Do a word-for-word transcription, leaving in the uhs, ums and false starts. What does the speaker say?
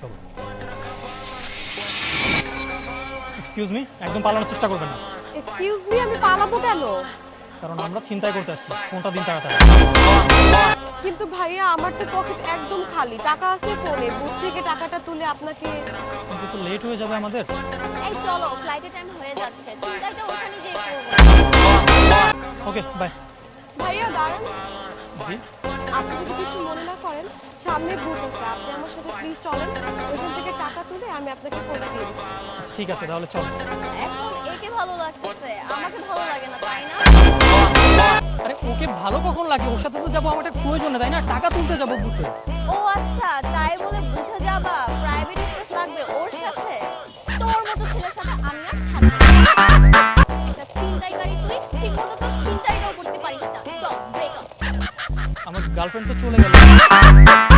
চলো। Excuse me, একদম পালানোর চেষ্টা করবেন না। এক্সকিউজ মি, আমি পালাবো কেন? কারণ আমরা চিন্তাই করতে আসছি। ফোনটা দিন তাড়াতাড়ি। কিন্তু ভাইয়া আমার তো পকেট একদম খালি, টাকা আছে ফোনে, বুথ থেকে টাকাটা তুলে আপনাকে। কিন্তু তো লেট হয়ে যাবে আমাদের। এই চলো, ফ্লাইটের টাইম হয়ে যাচ্ছে, চিন্তাটা ওখানে যেয়ে করবো। Okay bye. ভাইয়া দাঁড়ান, জি আপনি যদি কিছু মনে না করেন, সামনে বুথ আছে, আপনি আমার সাথে প্লিজ চলেন, ওইখান থেকে টাকা তুলে আমি আপনাকে ফোনটা দিয়ে দিচ্ছি। আচ্ছা, ঠিক আছে তাহলে চলো। এখন একে ভালো লাগতেছে, আমাকে ভালো লাগে না, তাই না? আরে ওকে ভালো কখন লাগে? ওর সাথে তো যাবো, আমার একটা প্রয়োজন নেই, তাই না? টাকা তুলতে যাবো বুথে। ও আচ্ছা, তাই বলে বুঝে যাবা প্রাইভেট স্পেস লাগবে ওর সাথে? তোর মতো ছেলের সাথে আমি আর থাকবো না। এটা ছিনতাইকারী, তুই ঠিকমতো তো ছিনতাইটাও করতে পারিস না। চল ব্রেক আপ। আমার গার্লফ্রেন্ড তো চলে গেল।